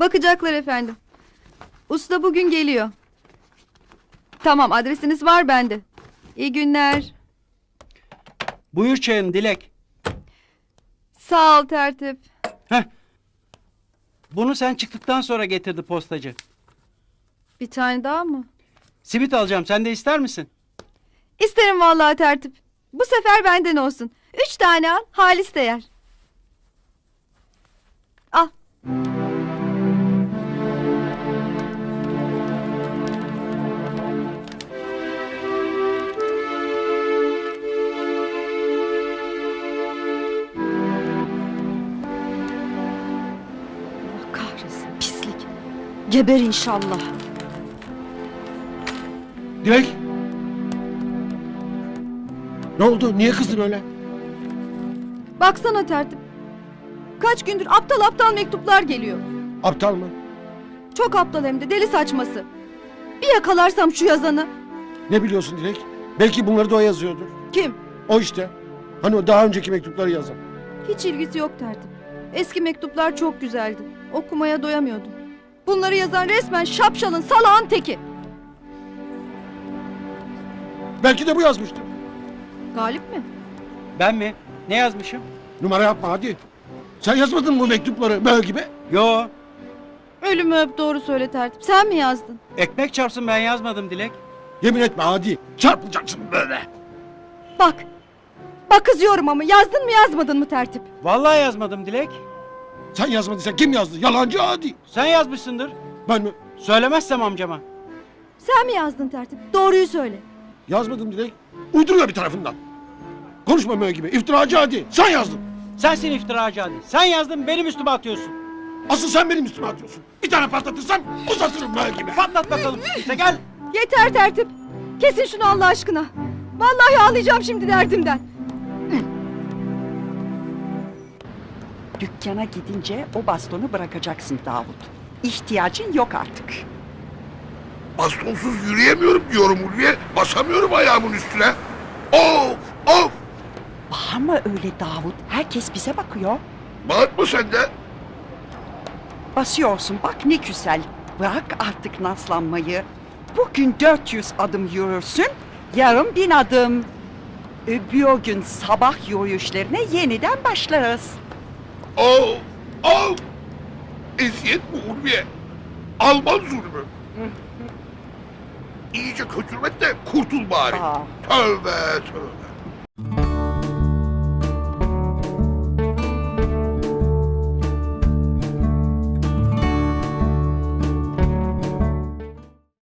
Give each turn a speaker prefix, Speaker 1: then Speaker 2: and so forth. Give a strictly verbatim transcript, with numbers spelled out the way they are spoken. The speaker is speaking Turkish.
Speaker 1: Bakacaklar efendim. Usta bugün geliyor. Tamam, adresiniz var bende. İyi günler.
Speaker 2: Buyur çayın Dilek.
Speaker 1: Sağ ol tertip.
Speaker 2: Heh. Bunu sen çıktıktan sonra getirdi postacı.
Speaker 1: Bir tane daha mı?
Speaker 2: Simit alacağım, sen de ister misin?
Speaker 1: İsterim vallahi tertip. Bu sefer benden olsun. Üç tane al, Halis de yer. Al.
Speaker 3: Allah kahretsin, pislik. Geber inşallah.
Speaker 4: Dilek! Ne oldu? Niye kızdın öyle?
Speaker 1: Baksana tertip. Kaç gündür aptal aptal mektuplar geliyor.
Speaker 4: Aptal mı?
Speaker 1: Çok aptal hem de, deli saçması. Bir yakalarsam şu yazanı.
Speaker 4: Ne biliyorsun Dilek? Belki bunları da o yazıyordur.
Speaker 1: Kim?
Speaker 4: O işte. Hani o daha önceki mektupları yazan.
Speaker 1: Hiç ilgisi yok tertip. Eski mektuplar çok güzeldi. Okumaya doyamıyordum. Bunları yazan resmen şapşalın, salağın teki.
Speaker 4: Belki de bu yazmıştır.
Speaker 1: Galip mi?
Speaker 2: Ben mi? Ne yazmışım?
Speaker 4: Numara yapma hadi. Sen yazmadın mı bu mektupları böyle gibi?
Speaker 2: Yo,
Speaker 1: Ölümü öp, doğru söyle tertip. Sen mi yazdın?
Speaker 2: ekmek çarpsın, ben yazmadım Dilek.
Speaker 4: Yemin etme hadi. Çarpılacaksın böyle.
Speaker 1: Bak. Bak kızıyorum ama yazdın mı yazmadın mı tertip?
Speaker 2: Vallahi yazmadım Dilek.
Speaker 4: Sen yazmadıysan kim yazdı? Yalancı hadi.
Speaker 2: Sen yazmışsındır.
Speaker 4: Ben mi?
Speaker 2: Söylemezsem amcama.
Speaker 1: Sen mi yazdın tertip? Doğruyu söyle.
Speaker 4: Yazmadım Dilek. Uyduruyor bir tarafından. Konuşma böyle gibi. İftiracı hadi. Sen yazdın.
Speaker 2: Sensin iftiracı hadi. Sen yazdın, benim üstüme atıyorsun.
Speaker 4: Asıl sen benim üstüme atıyorsun. Bir tane patlatırsan uzatırım böyle gibi.
Speaker 2: Patlat bakalım. İşte gel.
Speaker 1: Yeter tertip. Kesin şunu Allah aşkına. Vallahi ağlayacağım şimdi derdimden.
Speaker 3: Dükkana gidince o bastonu bırakacaksın Davut. İhtiyacın yok artık.
Speaker 5: Bastonsuz yürüyemiyorum diyorum Ulviye. Basamıyorum ayağımın üstüne. Of of.
Speaker 3: Bağırma öyle Davut. Herkes bize bakıyor.
Speaker 5: Bağırtma sen de.
Speaker 3: Basıyorsun bak ne güzel. Bırak artık naslanmayı. Bugün dört yüz adım yürürsün, yarın bin adım. Öbür gün sabah yürüyüşlerine yeniden başlarız.
Speaker 5: Of of. Eziyet bu Ulviye. Alman zulmü. İyice kötürmek de kurtul bari.
Speaker 3: Aa.
Speaker 5: Tövbe tövbe.